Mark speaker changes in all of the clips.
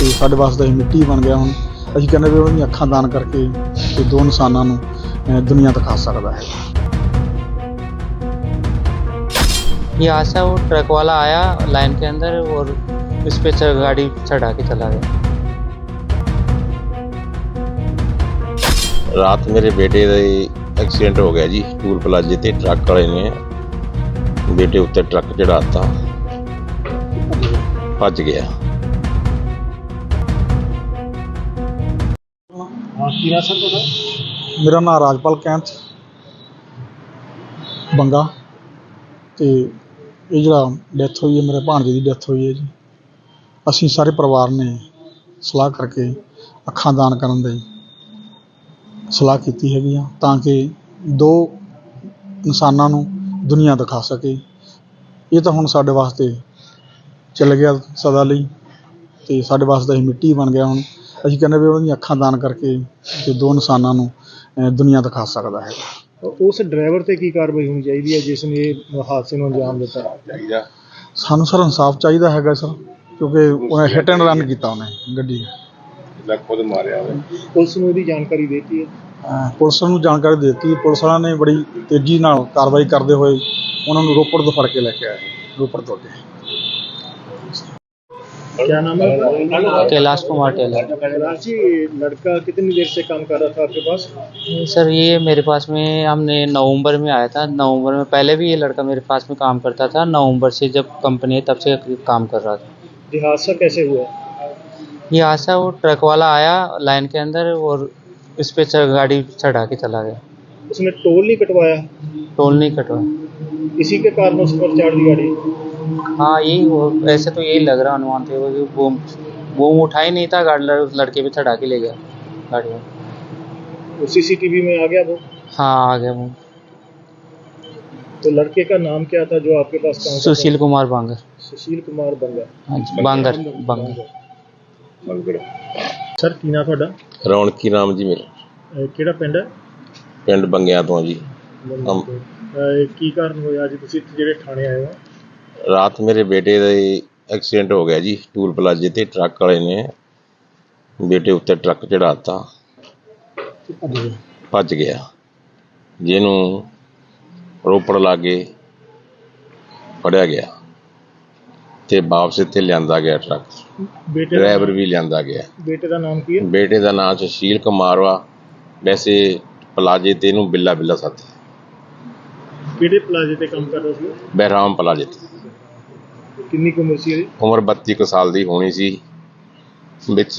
Speaker 1: ਤੇ ਸਾਡੇ ਵਾਸਤੇ ਮਿੱਟੀ ਬਣ ਗਿਆ। ਹੁਣ ਅਸੀਂ ਕਹਿੰਦੇ ਵੀ ਉਹਦੀਆਂ ਅੱਖਾਂ ਦਾਨ ਕਰਕੇ ਤੇ ਦੋ ਇਨਸਾਨਾਂ ਨੂੰ ਦੁਨੀਆ ਦਿਖਾ ਸਕਦਾ है।
Speaker 2: यहाँ से वो ट्रक वाला आया लाइन के अंदर और इस पे गाड़ी चढ़ा के चला गया।
Speaker 3: रात मेरे बेटे का एक्सीडेंट हो गया जी। टूल प्लाजे ते ट्रक वाले ने बेटे उत्ते ट्रक चढ़ाता, भज गया।
Speaker 1: मेरा नाम राजपाल कैंथ बंगा ਤੇ ਇਹ ਜਿਹੜਾ ਡੈਥ ਹੋਈ ਹੈ ਮੇਰੇ ਭਾਣਜੇ ਦੀ ਡੈਥ ਹੋਈ ਹੈ ਜੀ। ਅਸੀਂ ਸਾਰੇ ਪਰਿਵਾਰ ਨੇ ਸਲਾਹ ਕਰਕੇ ਅੱਖਾਂ ਦਾਨ ਕਰਨ ਦੀ ਸਲਾਹ ਕੀਤੀ ਹੈਗੀ ਆ ਤਾਂ ਕਿ ਦੋ ਇਨਸਾਨਾਂ ਨੂੰ ਦੁਨੀਆ ਦਿਖਾ ਸਕੇ। ਇਹ ਤਾਂ ਹੁਣ ਸਾਡੇ ਵਾਸਤੇ ਚੱਲ ਗਿਆ ਸਦਾ ਲਈ ਤੇ ਸਾਡੇ ਵਾਸਤੇ ਮਿੱਟੀ ਬਣ ਗਿਆ। ਹੁਣ ਅਸੀਂ ਕਹਿੰਦੇ ਵੀ ਉਹਦੀਆਂ ਅੱਖਾਂ ਦਾਨ ਕਰਕੇ ਤੇ ਦੋ ਇਨਸਾਨਾਂ ਨੂੰ ਦੁਨੀਆ ਦਿਖਾ ਸਕਦਾ ਹੈ।
Speaker 4: उस ड्राइवर ਤੇ ਕੀ ਕਾਰਵਾਈ ਹੋਣੀ ਚਾਹੀਦੀ ਹੈ ਜਿਸ ਨੇ ਇਹ ਹਾਦਸੇ ਨੂੰ ਅੰਜਾਮ ਦਿੱਤਾ ਚਾਹੀਦਾ?
Speaker 1: ਸਾਨੂੰ ਸਰ ਇਨਸਾਫ ਚਾਹੀਦਾ ਹੈਗਾ ਸਰ, ਕਿਉਂਕਿ ਉਹਨੇ ਹਿੱਟ ਐਂਡ ਰਨ ਕੀਤਾ ਉਹਨੇ ਗੱਡੀ
Speaker 3: ਖੁਦ ਮਾਰਿਆ ਹੋਵੇ।
Speaker 4: ਪੁਲਿਸ ਨੂੰ ਇਹਦੀ ਜਾਣਕਾਰੀ ਦੇਤੀ ਹੈ?
Speaker 1: ਪੁਲਿਸ ਨੂੰ ਜਾਣਕਾਰੀ ਦੇ ਦਿੱਤੀ। ਪੁਲਿਸ ਵਾਲਿਆਂ ਨੇ ਬੜੀ ਤੇਜ਼ੀ ਨਾਲ ਕਾਰਵਾਈ ਕਰਦੇ ਹੋਏ ਉਹਨਾਂ ਨੂੰ ਰੋਪੜ ਤੋਂ ਫੜ ਕੇ ਲੈ ਕੇ ਆਏ। ਰੋਪੜ ਤੋਂ ਅੱਗੇ
Speaker 4: क्या नाम है?
Speaker 2: कैलाश कुमार टेलर।
Speaker 4: कैलाश जी, लड़का कितनी देर से काम कर रहा था आपके पास?
Speaker 2: सर ये मेरे पास में हमने नवंबर में आया था। नवंबर में पहले भी ये लड़का मेरे पास में काम करता था। नवंबर से जब कंपनी है तब से काम कर रहा था।
Speaker 4: ये हादसा कैसे हुआ?
Speaker 2: ये हादसा वो ट्रक वाला आया लाइन के अंदर और इस पे गाड़ी चढ़ा के चला गया।
Speaker 4: उसने टोल नहीं कटवाया?
Speaker 2: टोल नहीं कटवाया।
Speaker 4: इसी के कारण उस पर चढ़ दी गाड़ी?
Speaker 2: हाँ यही ऐसे तो यही लग रहा अनुमान थे वो उठा ही नहीं था गाड़ी, लड़के पे चढ़ा के ले गया गाड़ी में।
Speaker 4: वो सीसीटीवी में आ गया वो?
Speaker 2: हाँ आ गया वो।
Speaker 4: तो लड़के का नाम क्या था जो आपके पास काम करता था?
Speaker 2: सुशील कुमार बांगर।
Speaker 4: सुशील कुमार बंगा।
Speaker 2: हाँ जी बांगर बांगर।
Speaker 4: सर की नाम ਤੁਹਾਡਾ?
Speaker 3: ਰੌਣਕੀ ਰਾਮ ਜੀ ਮੇਰਾ
Speaker 4: ਕਿਹੜਾ ਪਿੰਡ ਹੈ?
Speaker 3: ਪਿੰਡ ਬੰਗਿਆਂ ਤੋਂ ਜੀ।
Speaker 4: ਕੀ ਕਾਰਨ ਹੋਇਆ ਅੱਜ ਤੁਸੀਂ ਇੱਥੇ ਜਿਹੜੇ ਥਾਣੇ ਆਏ ਹੋ?
Speaker 3: ਰਾਤ ਮੇਰੇ ਬੇਟੇ ਦਾ ਐਕਸੀਡੈਂਟ ਹੋ ਗਿਆ ਜੀ। ਟੂਲ ਪਲਾਜੇ ਤੇ ਟਰੱਕ ਵਾਲੇ ਨੇ ਬੇਟੇ ਉੱਤੇ ਟਰੱਕ ਚੜਾਤਾ, ਭੱਜ ਗਿਆ। ਜਿਹਨੂੰ ਰੋਪੜ ਲਾਗੇ ਫੜਿਆ ਗਿਆ ਤੇ ਵਾਪਸ ਇੱਥੇ ਲਿਆਂਦਾ ਗਿਆ ਟਰੱਕ। ਡਰਾਈਵਰ ਵੀ ਲਿਆਂਦਾ ਗਿਆ।
Speaker 4: ਬੇਟੇ ਦਾ ਨਾਮ ਕੀ ਹੈ?
Speaker 3: ਬੇਟੇ ਦਾ ਨਾਮ ਸੁਸ਼ੀਲ ਕੁਮਾਰ ਵਾ। ਵੈਸੇ ਪਲਾਜੇ ਤੇ ਇਹਨੂੰ ਬਿੱਲਾ ਬਿੱਲਾ ਸਾਥੀ।
Speaker 4: ਕਿਹੜੇ ਪਲਾਜ਼ੇ ਤੇ ਕੰਮ ਕਰਦਾ ਸੀ?
Speaker 3: ਬਹਿਰਾਮ ਪਲਾਜੇ ਤੇ।
Speaker 4: ਕਿੰਨੀ ਕੁ ਉਮਰ ਸੀ ਇਹਦੀ?
Speaker 3: ਉਮਰ 32 ਕੁ ਸਾਲ ਦੀ ਹੋਣੀ ਸੀ। ਵਿੱਚ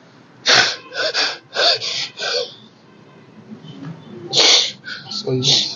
Speaker 3: ਛੱਡ